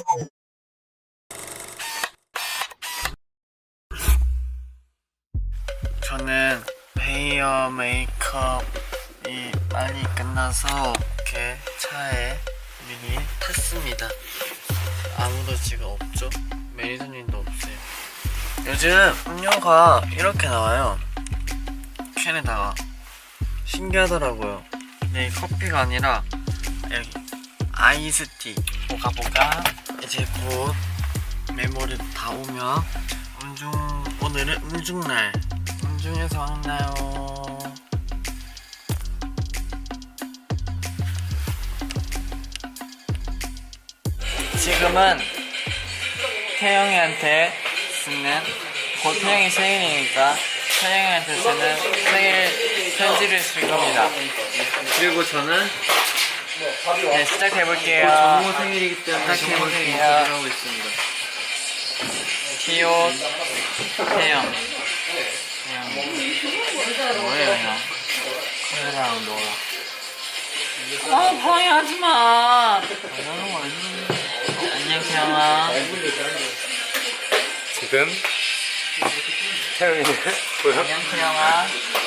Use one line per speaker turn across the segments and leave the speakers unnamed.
저는 헤어 메이크업이 많이 끝나서 이렇게 차에 미리 탔습니다. 아무도 지금 없죠? 매니저님도 없어요. 요즘 음료가 이렇게 나와요. 캔에다가 신기하더라고요. 근데 커피가 아니라 여기 아이스티. 보가 이제 곧 메모리 다 오면 오늘은 음중날. 음중에서 만나요. 지금은 태영이한테 쓰는, 곧 태영이 생일이니까 태영이한테 쓰는 생일 편지를 쓸 겁니다. 그리고 저는 네, 시작해볼게요.
정모 생일이기 때문에
시작해볼게요.
하고 있습니다.
티오 태영. 뭐예요 형? 카메라랑 너랑 방해하지마. 안녕 태영아.
지금 태영이는 뭐야?
안녕 태영아.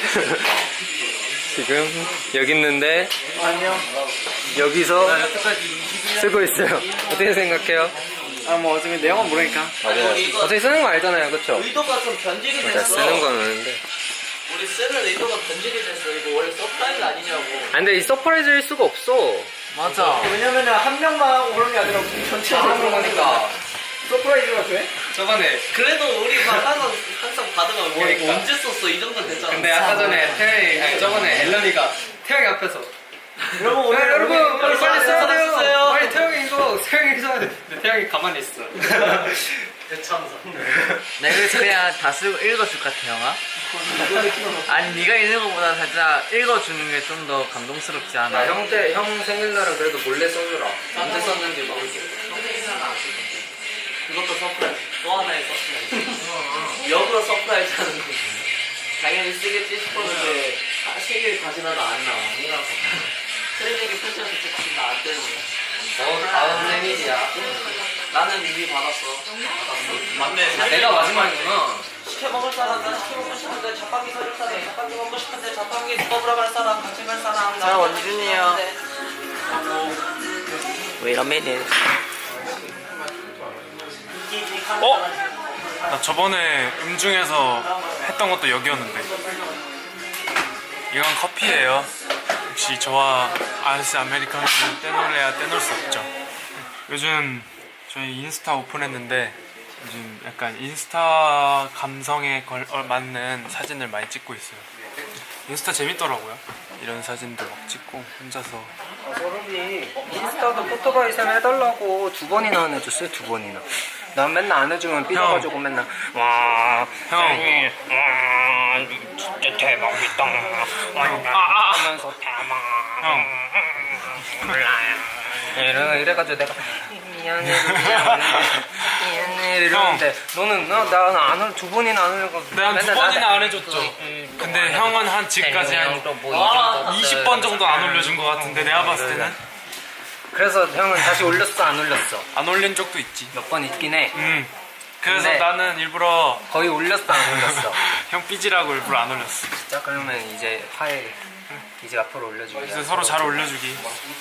지금 여기 있는데
안녕.
여기서 쓰고 있어요. 어떻게 생각해요?
뭐 어차피 내용은 모르니까.
맞아요. 어차피 쓰는 거 알잖아요, 그쵸?
의도가 좀 변질이 됐어.
쓰는 건 아는데.
우리 쓰는 의도가 변질이 됐어. 이거 원래 서프라이즈 아니냐고.
근데 이 서프라이즈일 수가 없어.
맞아.
왜냐면은 한 명만 하고 그런 게 아니라 전체적으로
다 하는 거니까.
서프라이즈가 돼?
저번에.
그래도 우리 막 항상 받으면 뭐 이거 언제 썼어? 이 정도 됐잖아.
근데 아까 전에 태영이, 아니 저번에 앨런이가 태영이 앞에서
여러분 오늘
여러분 빨리 써야 돼요.
써요.
빨리 태영이 이거 태영이 써야 돼. 근데 태영이 가만히 있어.
대참사.
내가 그래서 그냥 다 쓰고 읽어줄 것 같아 형아. 아니 네가 읽는 것보다 살짝 읽어주는 게 좀 더 감동스럽지 않아?
형 생일날은 그래도 몰래 써주라.
언제 썼는지 모르겠어. 그것도 서프라이즈. 또 하나의 서프라이즈. 역으로 서프라이즈 하는 거지. 당연히 쓰겠지 싶었는데 생일 과지나도 안 나와. 아니라서. 트레이닝이 편지한테 찍힌다 안 때문에.
다음 생일이야.
나는 이미 받았어. 맞네.
내가 마지막이구나.
시켜 먹을 사람, 난 시켜 먹고 싶은데 자판기 사줄 사람, 자판기 먹고 싶은데 자판기 먹으러 갈 사람, 같이 갈 사람.
자, 원준이요.
Wait a minute.
나 저번에 음중에서 했던 것도 여기였는데. 이건 커피예요. 역시 저와 아이스 아메리카노를 떼놓을래야 떼놓을 수 없죠. 요즘 저희 인스타 오픈했는데 요즘 약간 인스타 감성에 맞는 사진을 많이 찍고 있어요. 인스타 재밌더라고요. 이런 사진도 막 찍고 혼자서.
서른이 인스타도 포토바이샘 해달라고 2번이나 안 해줬어요. 2번이나. 난 맨날 안 해주면 삐져가지고 맨날 와
형.
와 진짜 대박이다 하면서 대박
형.
몰라요. 이래가지고 내가 미안해 이러는데 너는 나안 2번이나 안 하려고
내가 한 2번이나 안 해줬죠. 근데 형은 한 지금까지 한 20번 정도 안 올려준 것 같은데 내가 봤을 때는
그래서 형은 다시 올렸어 안 올렸어?
안 올린 적도 있지.
몇 번 있긴 해.
그래서
근데
나는 일부러
거의 올렸어 안 올렸어?
형 삐지라고 일부러 안 올렸어.
진짜 그러면 이제 화해 이제 앞으로 올려주기.
그래서 서로 잘 올려주기.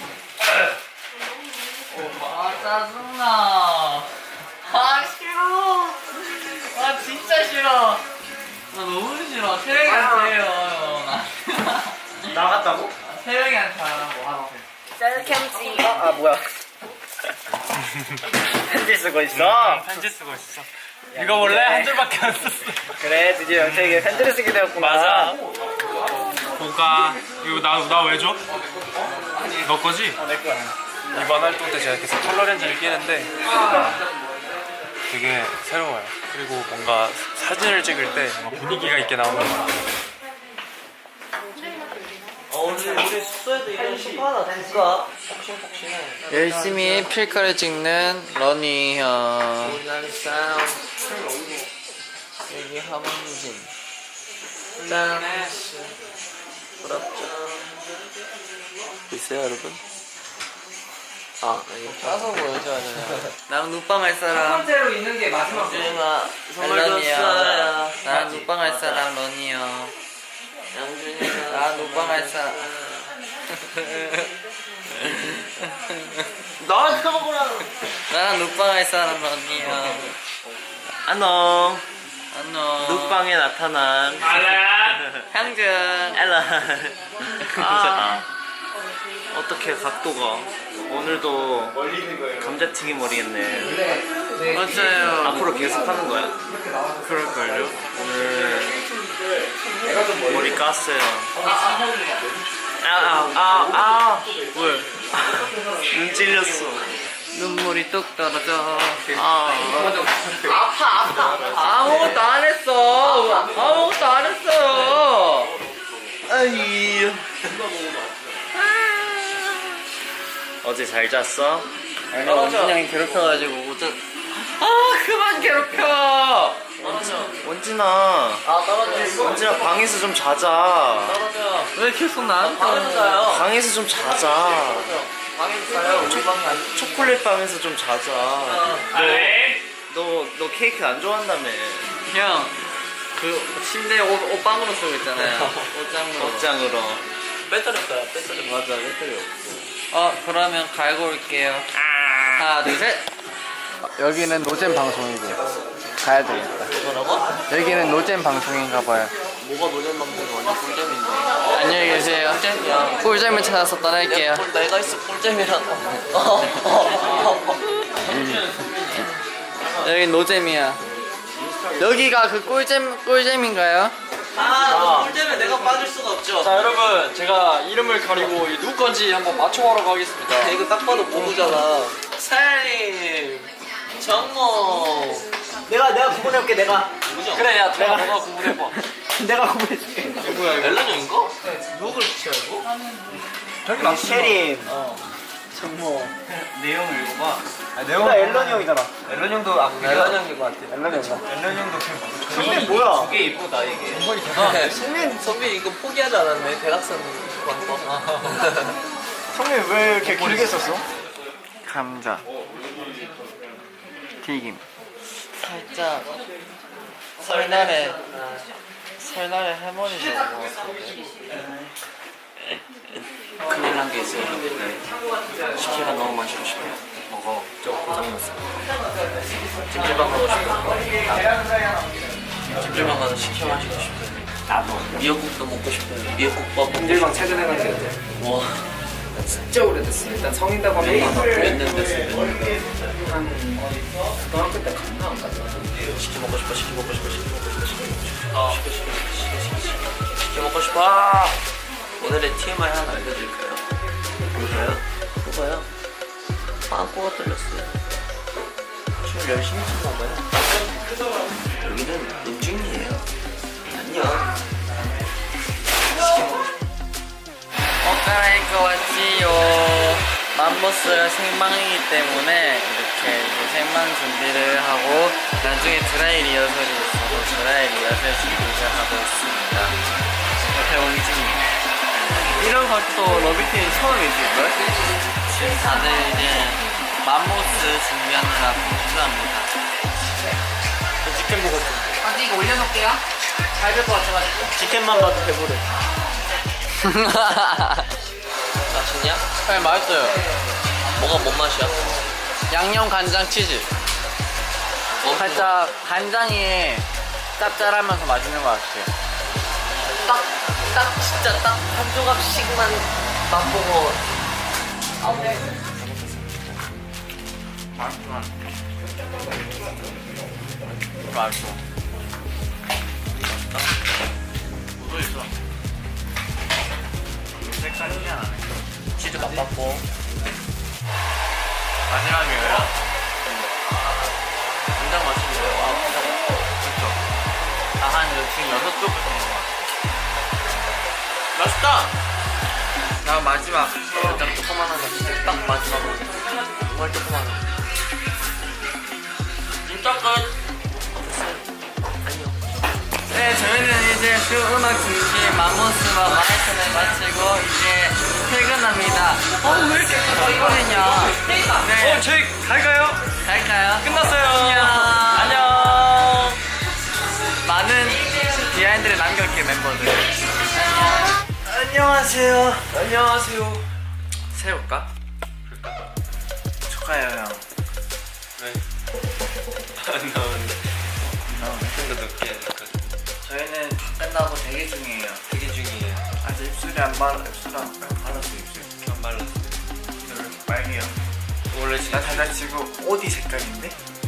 아 짜증나. 아 싫어. 아 진짜 싫어. 나 너무 싫어. 태영이한테 해요.
나갔다고?
태영이한테 하라고 하라고.
셀캠지. 아 뭐야? 편지 쓰고 있어.
편지 쓰고 있어. 이거 원래 한 줄밖에 안 썼어.
그래 드디어 영택이가 편지를 쓰게 되었구나.
맞아. 볼까? 이거 나 왜 줘? 너 거지?
내 거야.
이번 활동 때 제가 계속 컬러 렌즈를 끼는데 되게 새로워요. 그리고 뭔가 사진을 찍을 때 뭔가 분위기가 있게 나오는 것 같아요.
오늘 우리 숙소에도 이런 소파 하나 둘까? 폭신폭신해.
열심히 필카를 찍는 러니 형.
우리나라 사람.
여기 함진. 짠.
부럽죠.
보이세요 여러분?
아니 짜서 보여줘야 되냐.
나랑 눈빵 할
첫
사람
번째로 있는 게 마지막 거.
양준아 선물
런이요.
줬어요.
나랑 눈빵 할 사람 런이요.
양준이가
나랑 눈빵 할 사람.
나한테 먹으라.
나랑 눈빵 할 사람 런이요.
안녕.
안녕.
눕방에 나타난
향준.
앨런. 어떻게 각도가 오늘도 감자튀김 머리겠네.
맞아요.
앞으로 계속 하는 거야?
그럴걸요?
오늘 머리 깠어요.
왜?
눈 찔렸어.
눈물이 뚝 떨어져.
아파.
아무것도 안 했어. 아무것도 안 했어요.
아이. 어제 잘 잤어?
아니, 원진이 형이 괴롭혀가지고 못 잤. 그만 괴롭혀.
원진아.
떨어져.
원진아 방에서 좀 자자.
떨어져. 왜 계속 나한테
방에서 자요. 방에서 좀 자자.
방에서 자요. 우리 방이 안.
초콜릿 방에서 좀 자자. 너 케이크 안 좋아한다며.
형, 그 침대 옷방으로 쓰고 있잖아요. 옷장으로.
옷장으로.
배터리 없어요. 배터리.
맞아, 배터리 없어.
그러면 갈고 올게요. 하나, 둘, 셋. 여기는 노잼 방송이고 가야 되겠다.
뭐라고?
여기는 노잼 방송인가 봐요.
뭐가 노잼 방송이 완전 꿀잼인데.
안녕히 계세요.
꿀잼이야.
꿀잼을 찾아서 떠날게요.
내가 있어 꿀잼이라고.
여기 노잼이야. 여기가 그 꿀잼인가요?
꿀잼에 내가 빠질 수가 없죠.
자 여러분 제가 이름을 가리고 이 누구 건지 한번 맞춰보러 가겠습니다.
이거 딱 봐도 모르잖아. 사장님, 정모. 내가 구분해볼게. 내가. 누구죠?
그래 야 너가 구분해봐.
내가 구분해줄게.
누구야 이거?
앨런 형인가? 누구 그렇게 알고?
저기 맞
셰림.
정모.
내용을 읽어봐.
내가 앨런 형이잖아.
앨런 형도 앨런 형인 것 같아.
앨런 형이다.
앨런 형도 성민 뭐야? 되게 이쁘다 이게.
성빈 이거 포기하지 않았네. 대학생 광고.
성민 왜 이렇게 길게 썼어?
감자 튀김. 살짝 설날에 할머니 먹었는데
큰일 난 게 있어요. 식혜가 너무 마시고 싶어. 먹어. 고장났어. 찜질방 가고 싶어. 찜질방 가서 식혜 마시고 싶어. 나도. 미역국도 먹고 싶어. 미역국밥 먹고
찜질방 최근에 간 게 언제?
싶어. 와.
진짜 오래됐어. 일단 성인다고 하면
몇년 됐어.
한 고등학교 때 갔나 안 갔나?
식혜 먹고 싶어. 식혜 먹고 싶어. 식혜 먹고 싶어. 식혜 먹고 싶어. 오늘의 TMI 하나 알려드릴까요? 볼까요? 뭐가요? 빵꾸가 뚫렸어요. 춤을 열심히 췄나봐요. 여기는 눈중이에요. 안녕.
옷 갈아입고 왔지요. 맘모스가 생방이기 때문에 이렇게 이제 생방 준비를 하고 나중에 드라이 리허설이 있어서 드라이 리허설 준비를 하고 있습니다. 옆에 원진이. 이런 것도 러비팀 처음이실걸? 지금 다들 이제 맘모스 준비하느라 분주합니다.
치킨 먹었어.
어디 이거 올려놓을게요.
잘 될 것 같아가지고.
치킨만 봐도 배부르. 맛있냐?
네, 맛있어요.
뭐가 뭔 맛이야?
양념 간장 치즈. 살짝 간장이 짭짤하면서 맛있는 것 같아요.
딱 진짜 딱 한 조각씩만 맛보고.
맛있어.
묻어 있어. 색깔이 안 나네. 치즈 맛봤고.
마지막이에요?
굉장히 맛있는데요. 와, 굉장히 맛있어.
한 지금 6쪽을 먹은 것 같아요.
맛있다!
나 마지막.
살짝 조그만한 거 진짜 딱 마지막으로. 정말 조그만한 거. 진짜 끝! 안녕.
네, 저희는 이제 이제 주 음악 중심 맘모스와 마라톤을 마치고 이제 퇴근합니다. 왜 이렇게 가까이거든요? 네.
저희 갈까요?
갈까요?
끝났어요.
안녕. 많은 비하인드를 남겼기에 멤버들. 안녕하세요.
안녕하세요.
세울까? 축하해요 형.
네. 안 나오는데. 좀더 높게 해야 될 것 같아.
저희는 끝나고 대기 중이에요.
되게 중요해요.
아직 입술이 안 발랐어 입술.
안 발랐어요.
왜 이렇게 빨개요?
원래
나 살짝 지금 어디 색깔인데?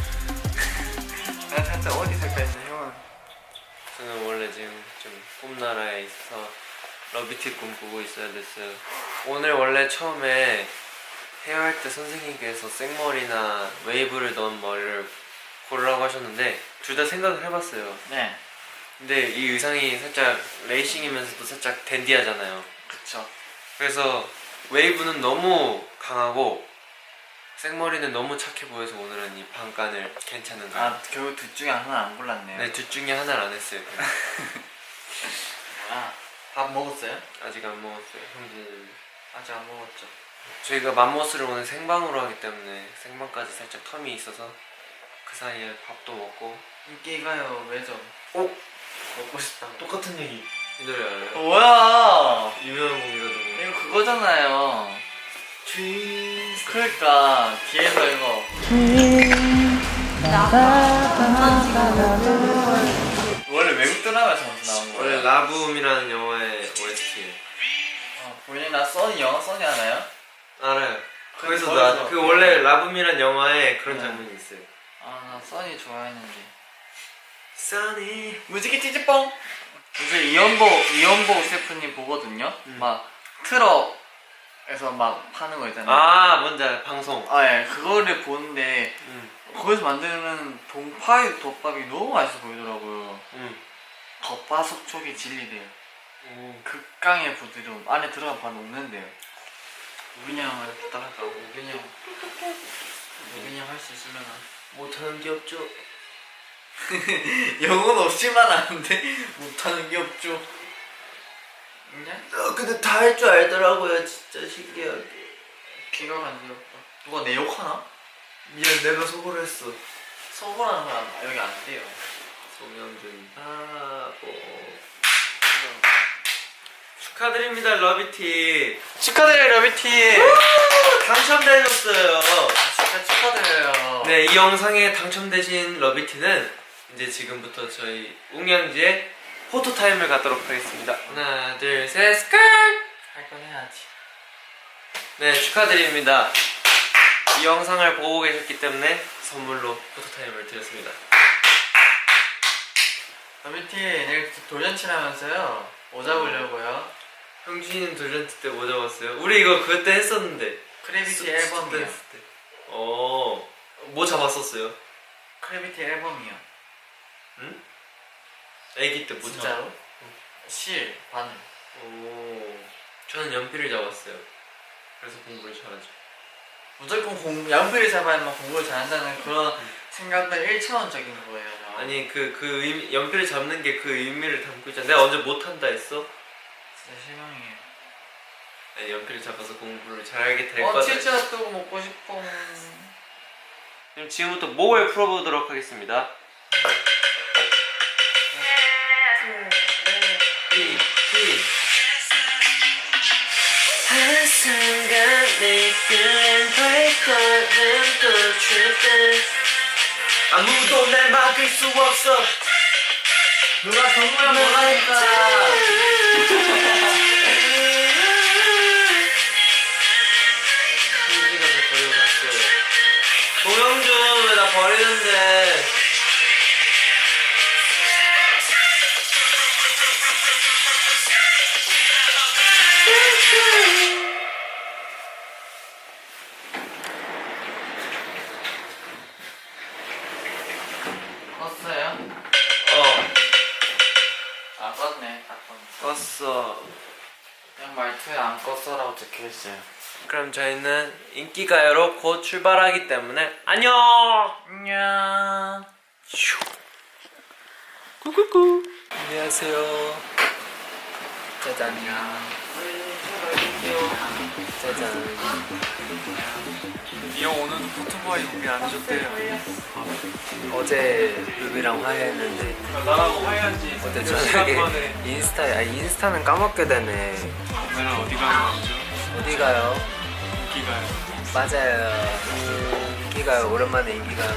나 살짝 어디 색깔인데 형은?
저는 원래 지금 좀 꿈나라에 있어서 러비티 꿈 보고 있어야 됐어요. 오늘 원래 처음에 헤어할 때 선생님께서 생머리나 웨이브를 넣은 머리를 고르라고 하셨는데 둘 다 생각을 해봤어요.
네.
근데 이 의상이 살짝 레이싱이면서도 살짝 댄디하잖아요.
그쵸.
그래서 웨이브는 너무 강하고 생머리는 너무 착해 보여서 오늘은 이 반간을 괜찮은 거예요.
아 결국 둘 중에 하나 안 골랐네요.
네, 둘 중에 하나를 안 했어요. 그냥.
뭐야? 밥 먹었어요?
아직 안 먹었어요. 형제는
아직 안 먹었죠.
저희가 맘모스를 오늘 생방으로 하기 때문에 생방까지 살짝 텀이 있어서 그 사이에 밥도 먹고.
인기가요 왜죠?
오!
먹고 싶다고.
똑같은 얘기. 이 노래 알아요?
뭐야?
유명한 곡이거든요.
이거 그거잖아요. 그러니까 뒤에서 이거. 원래 외국 드라마에서 나온 거예요.
원래 라붐이라는 영화의 OST예요.
본인 나 써니 영어 써니 알아요?
알아요. 거기서
거기서.
그 원래 라붐이라는 영화에 그런
네.
장면이 있어요.
나 써니 좋아했는데.
써니.
무지개 찌찌뽕. 요새 이연보 셰프님 보거든요. 막 트럭에서 막 파는 거 있잖아요.
아, 뭔지 알아요. 방송.
예, 그거를 보는데 거기서 만드는 동파육 덮밥이 너무 맛있어 보이더라고요. 겉바속촉이 진리대요. 극강의 부드러움. 안에 들어가면 바로 녹는데요. 우빈이 형을 부탁할까? 우빈이 형 할 수 있으면
못하는 게 없죠.
영혼 없이만 하는데 못하는 게 없죠. 그냥
근데 다 할 줄 알더라고요. 진짜 신기하게.
기가 간지럽다. 누가 내 욕하나?
미안, 내가 속으로 했어.
서운한 사람 여기 안 돼요.
송영준 바보. 축하드립니다, 러비티.
축하드려요 러비티.
당첨되셨어요.
진짜 축하드려요.
네, 이 영상에 당첨되신 러비티는 이제 지금부터 저희 웅양지에 포토타임을 갖도록 하겠습니다. 하나, 둘, 셋, 스컬!
할 건 해야지.
네, 축하드립니다. 이 영상을 보고 계셨기 때문에 선물로 포토타임을 드렸습니다.
러비티 내일 돌잔치라면서요. 뭐 잡으려고요?
형준이는 돌잔치 때 뭐 잡았어요? 우리 이거 그때 했었는데.
크래비티 앨범이요.
때. 뭐 잡았었어요?
크래비티 앨범이요.
응? 애기 때 뭐
진짜로? 실, 바늘.
저는 연필을 잡았어요. 그래서 공부를 잘하죠.
무조건 연필을 잡아야만 공부를 잘한다는 그런 생각들 1차원적인 거예요. 저.
아니 연필을 잡는 게 그 의미를 담고 있잖아. 내가 언제 못한다 했어?
진짜 실망이에요.
아니, 연필을 잡아서 공부를 잘하게 될 거다.
치즈 핫도그 먹고 싶어.
그럼 지금부터 목을 풀어보도록 하겠습니다. 한순간 내 끈 발걸음 멈출 때 아무도 날 막을 수 없어.
누가 정말 뭐라니까.
형준이가 저 버리고 갔어요. 동영준 왜 나 버리는데?
껐어요? 안 껐네. 다 껐네.
껐어.
그냥 말투에 안 껐어라고 적혀있어요.
그럼 저희는 인기가요로 곧 출발하기 때문에 안녕!
안녕.
꾸꾸꾸.
안녕하세요. 짜잔. 짜잔.
이 형 오늘도 포토보이 우리 안 해줬대요.
어제 루비랑 화해했는데
나랑 화해한지
어때 저녁에 인스타는 까먹게 되네.
오늘은 어디 가는 거죠?
어디 가요?
인기가요.
맞아요. 인기가요. 오랜만에 인기가요.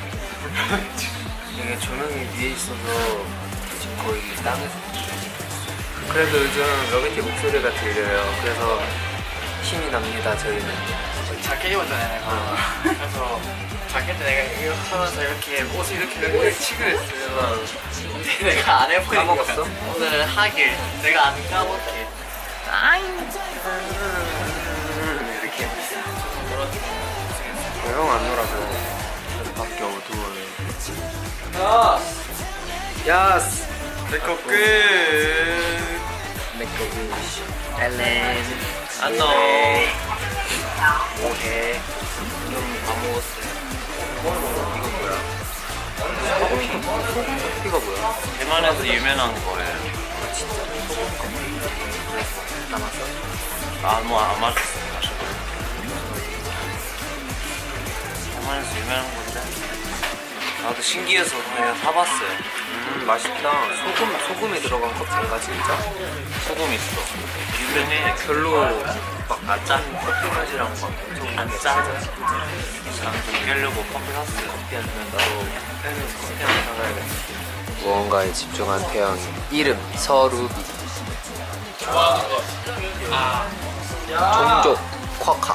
이게 조명이 위에 있어서 지금 거의 땅에서. 그래도 요즘 러비티 목소리가 들려요. 그래서 힘이 납니다. 저희는.
자켓 입었잖아요 내가. 그래서 자켓 때 내가 이거 하면서 이렇게 옷을 이렇게 치고 했어요. 근데 내가 안 해보니까
까먹었어?
오늘은 하길 내가 안 까먹게
이렇게. 형 안 놀아서.
밖에 어두워요.
야스.
내거 끝.
맥거비. 엘렌.
안녕.
뭐해? 좀 다 먹었어요. 이거 뭐야? 소금피가 뭐야?
대만에서 유명한 거예요.
진짜 소금피. 남았어?
뭐안 맛있어요. 대만에서 유명한 건데 나도 신기해서 그냥 사봤어요.
맛있다. 소금이 들어간 커피인가 진짜?
소금 있어. 유명해.
별로 막안 짠 커피 맛이랑 막 엄청
안 짜져. 저는 좀 깨려고 커피 샀어요.
커피 아니면 나도 팬에서 커피 하나 사가야겠다. 무언가에 집중한 태양이. 이름 서루비. 종족 쿼카.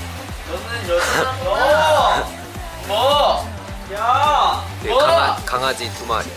네, 강아지 두 마리.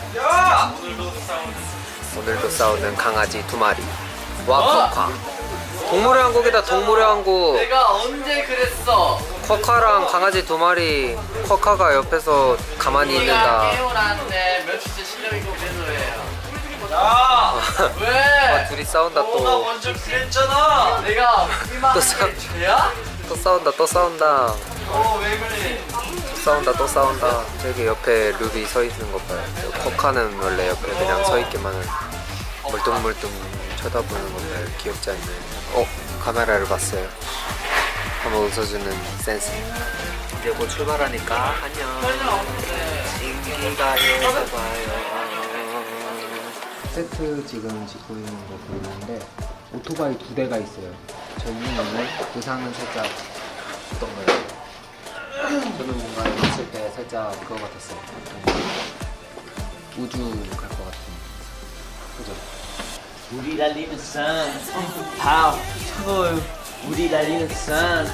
오늘도 싸우는 강아지 두 마리. 와 쿼카. 동물의 왕국이다. 동물의 왕국.
내가 언제 그랬어?
쿼카랑 강아지 두 마리. 쿼카가 옆에서 가만히 있는다.
깨어났는데 며칠째 실력이 좀 배도해요.
아,
왜?
둘이 싸운다 또.
먼저 그랬잖아. 내가
또 싸-
죄야?
또 싸운다. 또 싸운다.
왜 그래?
또 싸운다. 또 싸운다. 저기 옆에 루비 서 있는 거 봐요. 쿼카는 원래 옆에 그냥 서 있기만은 멀뚱멀뚱 쳐다보는 건데 귀엽지 않나요? 카메라를 봤어요. 한번 웃어주는 센스. 이제 곧 출발하니까 안녕. 인기가요에서 봐요. 세트 지금 짓고 있는 거 보이는데 오토바이 2대가 있어요. 저 이유는 의상은 살짝 어떤 거예요? 저는 뭔가 입었을 때 살짝 그거 같았어요. 우주 갈 것 같은. 그죠?
우리 달리는 산. 다 차가워요. 우리 달리는 산.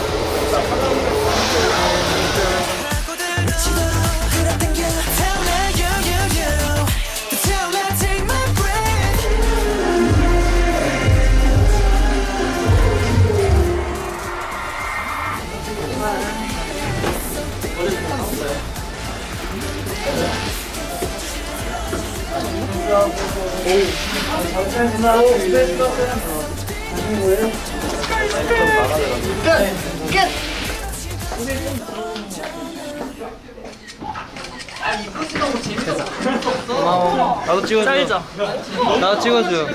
나도 찍어줘.
짤자.
나도 찍어줘.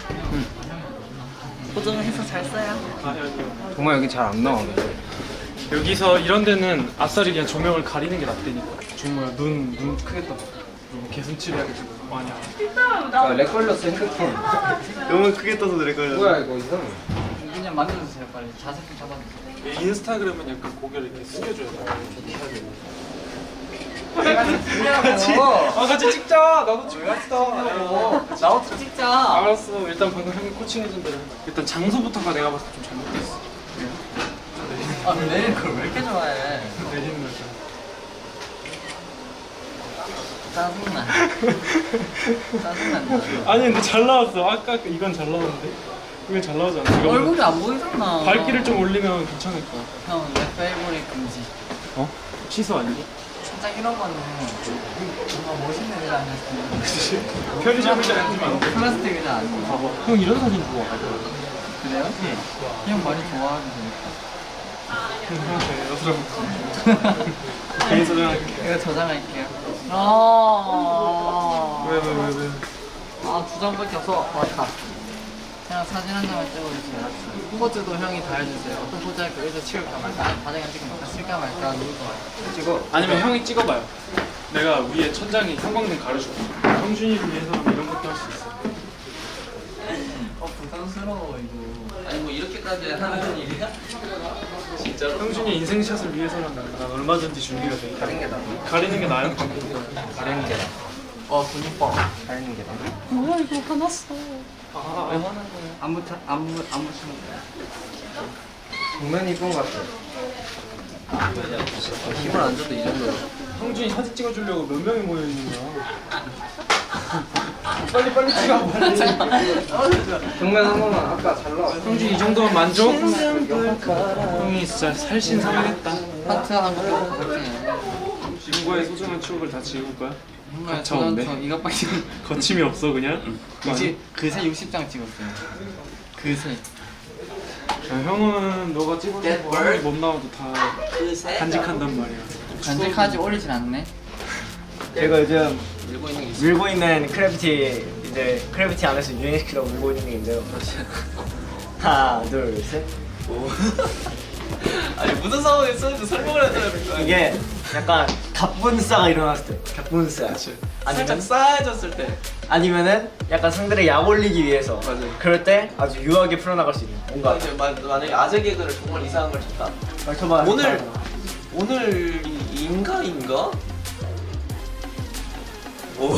고정해서 잘 써요.
정말 여기 잘 안 나와. 근데.
여기서 이런 데는 아싸리 그냥 조명을 가리는 게 낫다니까. 정말 눈 크게 떠. 개슴칠 해가지고 많이 안.
렉 걸렸어 핸드폰.
너무 크게 떠서 그래 거예요.
뭐야 이거 이상해.
그냥 만들어주세요 빨리. 자세 좀 잡아주세요.
인스타그램은 약간 고개를 이렇게 숙여줘야 돼. 이렇게 해야 돼. 같이 찍자. 나도 찍겠어.
나부터 찍자.
알았어. 일단 방금 형이 코칭해준 대로. 일단 장소부터가 내가 봤을 때 좀 잘못됐어.
내일 그걸 왜 이렇게 좋아해?
내리는 거죠.
짜증나. 짜증난다.
아니 근데 잘 나왔어. 아까 이건 잘 나왔는데. 이건 잘 나오지 않아? 이거
얼굴이 안 보이잖아.
밝기를 좀 올리면 괜찮을 거야.
형, 내 페이보릿 금지.
어? 취소 아니고?
살짝 이런 거는 뭔가 멋있는 애가 아니었으면.
편의점에서 앉으면 안 돼.
플라스틱 의자 아니고.
봐봐. 형 이런 사진 좋아.
그래요? 형 많이 좋아하는데.
형한테 여드름. 개인 소장할게.
이거 저장할게요.
왜?
두 장밖에 없어. 왔다. 그냥 사진 한 장만 찍어주세요. 포즈도 형이 다 해주세요. 어떤 포즈 할까? 여기서 치울까 말까? 바닥에 찍을까 말까? 쓸까 말까? 누울까 말까?
찍어.
아니면 형이 찍어봐요. 내가 위에 천장에 형광등 가려줄게. 형준이를 위해서는 이런 것도 할 수 있어.
부담스러워 이거.
아니 뭐 이렇게까지 하는 일이야? 진짜로?
형준이 인생샷을 위해서는 난 얼마든지 준비가 돼.
다른 게 나아.
가리는 게 나아요?
다른 게 나아.
돈 이뻐.
다른 게 나아.
뭐야 이거 화났어.
아,
왜 화난 거야?
안 붙이는 거야. 정면 이쁜 것 같아.
힘을 안 줘도 이 정도야.
형준이 사진 찍어주려고 몇 명이 모여 있는 거야? 빨리 찍어. 빨리.
정면 한 번만 아까 잘 나왔어.
형준 이 정도면 만족? 형이 진짜 살신성인했다.
하트 하는 거 보고 그렇게.
친구의 소중한 추억을 다 지울 거야?
정말
가차없네.
저 이것밖에
거침이 없어 그냥?
그새 60장 찍었어요. 그새.
야, 형은 너가 찍어준 거 아무리 못 나와도 다
그새
간직한단 말이야.
간직하지 올리진 않네.
제가 요즘
밀고 있는 게 있어.
밀고 있는 크래비티 이제 크래비티 안에서 유행시키려고 밀고 있는 게 있는데요. 하나, 둘, 셋.
아니 무슨 상황에 쓰는지 설명을 해줘야 될 거야.
이게 약간 갑분싸가 일어났을 때, 갑분싸.
살짝 싸해졌을 때.
아니면은 약간 상대를 약 올리기 위해서.
맞아요.
그럴 때 아주 유하게 풀어나갈 수 있는 뭔가.
만약에 아재 개그를 정말 이상한 걸 쳤다.
말투만
오늘인가? 오.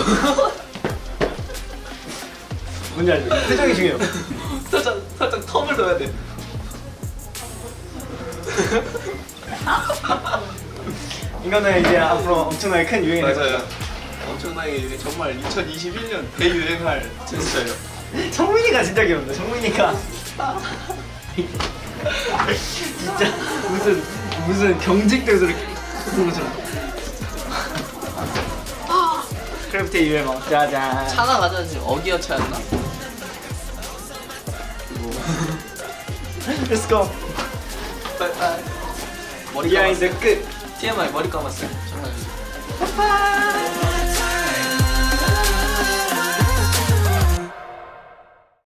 뭔지 알죠? 표정이 중요해요.
살짝 텀을 넣어야 돼.
이거는 이제 앞으로 엄청나게 큰 유행이 될
맞아요. 엄청나게 이게 정말 2021년 대유행할 제스처예요.
거예요. 성민이가 진짜 귀엽네. 성민이가 진짜 무슨 경직돼서 이렇게 쓰는 것처럼. 크래프트 유행어 짜잔.
차나 가져야지. 어기어차였나?
Let's go.
빨리. 머리
비하인드
감았어요.
끝.
TMI 머리 감았어요. 정말.